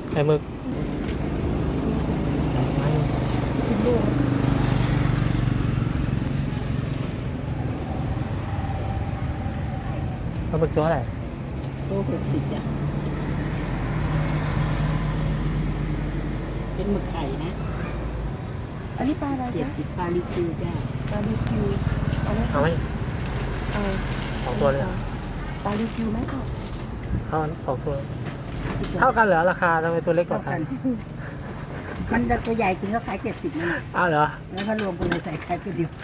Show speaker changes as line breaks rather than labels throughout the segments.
ไข่หมึกปลาหมึกตัวอะไร
โล60จ้ะเป็นหมึกไข่นะ
อันนี้ปลาอะไรจ๊ะ
70ปลาลิคิวจ้ะ
ปลาลิวกิวเอาไหม
เอาไหม
เอา
2 ตัวเลยเหรอ
ปลาลิวกิวไหมคะ
เอา2 ตัว เท่ากันเหรอราคาทำไมตัวเล็กกว่ากัน
มันตัวใหญ่จริงก็ขาย70นั่นแหละ
อ้าวเหรอ
แล้วก็รวมกันเลยใส่ไข่ตัวเดียว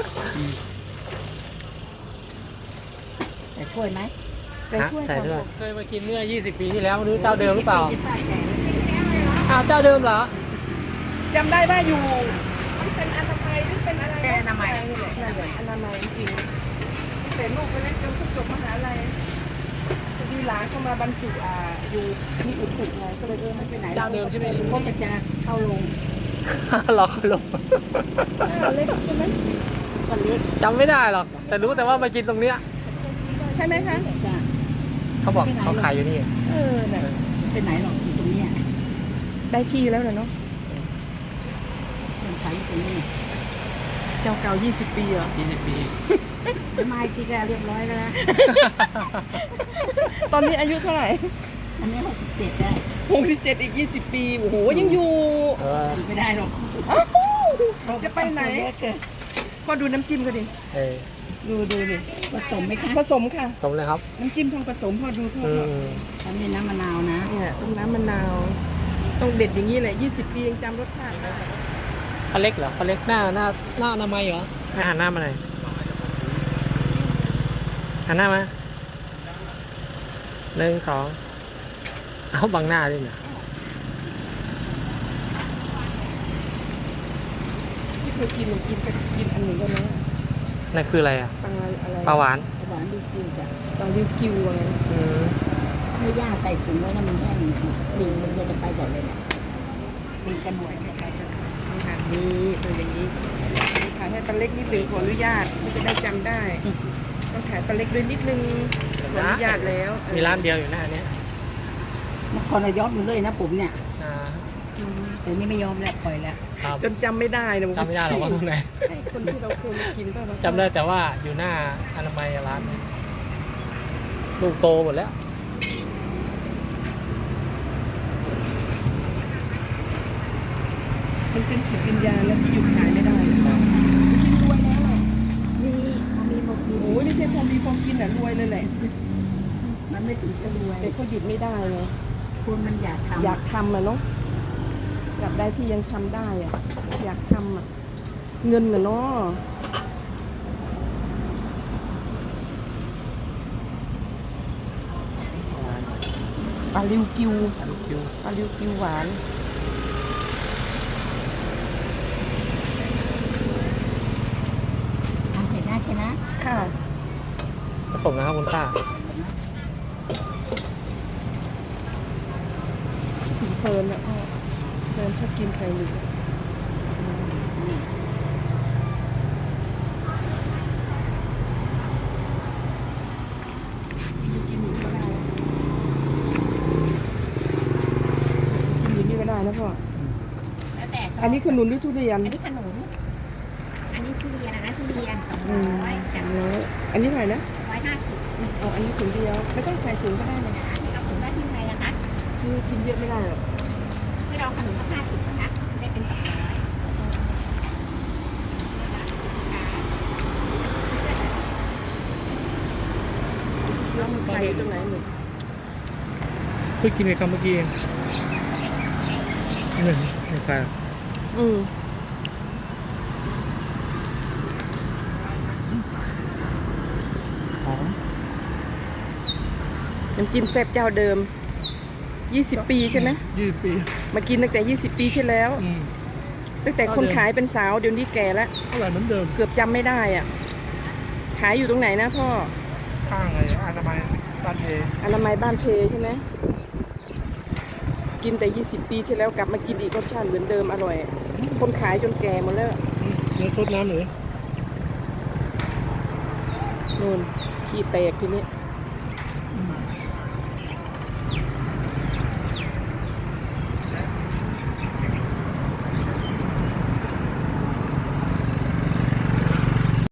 แต่ช่วยไหม
ใส่ถ้วย
ใส่
ค่ะ
ด้วยเคยมากินเมื่อ20 ปีที่แล้วไม่รู้เจ้าเดิมหรือเปล่าอ้าวเจ้าเดิมเหรอ
จำได้ว่าอยู่เป็นอนามัยหรือเป็นอะไร
แช่น้ำมัน
อนามัยจริงๆแต่ลูกไปเล่นจนจบมหาลัยพอดีหลานเข้ามาบรรจุอยู่ที่อุตุไงก็เลยไม่ไปไหน
เจ้าเดิมใช่ไหม
เพราะจะเข้าลง
รอเขาลง
เล็กใช่ไหม
ก็เล็ก
จำไม่ได้หรอก แต่รู้แต่ว่ามากินตรงเนี้ย
ใช่ไหมคะ
จ้ะ
เขาบอกเขาขายอยู่นี่
น่ะ
ไปไหนหรอกอยู่ตรงเนี้ย
ได้ที่แล้วเนาะ
มันขายอยู่ตรงนี้
เจ้าเก่า20 ปีเหรอ
20 ปี
ทำไมที่จะเรียบร้อยแล้วนะ
ตอนนี้อายุเท่าไหร่
อันนี้67ได้
67อีก20 ปีโอ้โหยังอยู่
เออ
ไม่ได้หรอก
อ้าวจะไปไหน
เยอะเกิน
พอดูน้ำจิ้มก็ดิ
เออ
ดูดิ
ผสมไหมคะ
ผสมค่ะ
สมเลยครับ
น้ำจิ้มทองผสมพอดูพ่อ
อืม
ฉันมีน้ำมะนาวนะ
เนี่ยต้องน้ำมะนาวต้องเด็ดอย่างนี้แหละ20 ปียังจำรสชาติได้
ปลาเล็กเหรอปลาเล็กหน้าอนามัยเหรอให้หันหน้ามาหน่อยหันหน้ามา1 2เอาบังหน้าด้วยเนี่ย
ที่เคยกินหนูกินอันหนึ่งก็นะ
นั่นคืออะไรอ่ะ
ปลาอะไร
ปลาหวาน
หวานดีจริงจ้ะ
ปลาลิวกิวอะไร
อืม
ไม่ย่างใส่ถุงไว้นะมันแห้งดิ่งมันจะไปก่อนเลยเนี่ยดิ่งกันหน่วยคล้ายๆกัน
นี่ค่ะนี่ตัวอย่างนี้ขายให้ปลาเล็กนิดหนึ่งขออนุญาตที่จะได้จำได้ ต้องขายปลาเล็กด้วยนิดนึงขออนุญาตแล้ว
มีร้านเดียวอยู่หน้าเนี้ย
มันคนละยอดมันเลยนะผมเนี่ย
อ่า
แต่นี่ไม่ยอมแล้วปล่อยแล้ว
ครับ
จนจำไม่ได้นะ
จำไม่ได้หรอกว่าตรงไหน
คนที่เราเคยมากินป่ะวะ
จำได้แต่ว่าอยู่หน้าอนามัยร้านนี้ลูกโตหมดแล้ว
มันเป็นจิตวิญญาณแล้วที่หยุดขายไม่ได้กินรวยแล้วอ่ะ
นี่มันมีหมดดี
โอ้ยไม่ใช่พอมีพอกินอ่ะรวยเลยแหละ
มันไม่ถึงจะรวย
แต่ก็หยุดไม่ได้เลย
คนมันอยากทำ
อยากทำอ่ะเนาะอยากได้ที่ยังทำได้อ่ะอยากทำอ่ะเงินอ่ะเนาะปลาลิวกิว
ลูกคิว
ปลาลิวกิวหวาน
ทำเห็นหน้าใช่ไหม
ค่ะ
ผสมนะครับคุณป้า
ถึงเพลินอ่ะพ่อเพลินชอบกินไข่หมึกกินอยู่ก็ได้กินอยู่นี่ก็ได้นะพ่อ
แล้วแต่
อันนี้ขนุนหรือทุเรียน
อันนี้ขนมอันนี้ทุเรียนนะทุเรียน200จาก
อันนี้เท่าไหร่นะ
150
เอาอันนี้ถุงเดียว ไม่ต้องใส่ถุงก็ได้เลย
เอาถุงได้ที่ไหนนะคะ
คือกินเยอะไม่ได้หรอก
ให้เราขนมสัก50นะคะได้เป็น200
แล้วมันไข่ตรงไหนหมึก
เพิ่งกินไปคำเมื่อกี้เองไม่ใช่
อืมน้ำจิ้มแซ่บเจ้าเดิม 20 ปีใช่ไหม
20 ปี
มากินตั้งแต่ 20 ปีที่แล้ว ตั้งแต่คนขายเป็นสาวเดี๋ยวนี้แก่แล้ว
อร่อยเหมือนเดิม
เกือบจำไม่ได้อ่ะ ขายอยู่ตรงไหนนะพ่อ
ข้างเลยอนามัยบ้านเอ
อนามัยบ้านเพใช่ไหม กินแต่ 20 ปีที่แล้วกลับมากินอีกรสชาติเหมือนเดิมอร่อย คนขายจนแก่หมดแล้ว
เนื้อซดน้ำหรือ
นู่นขี้แตกทีนี้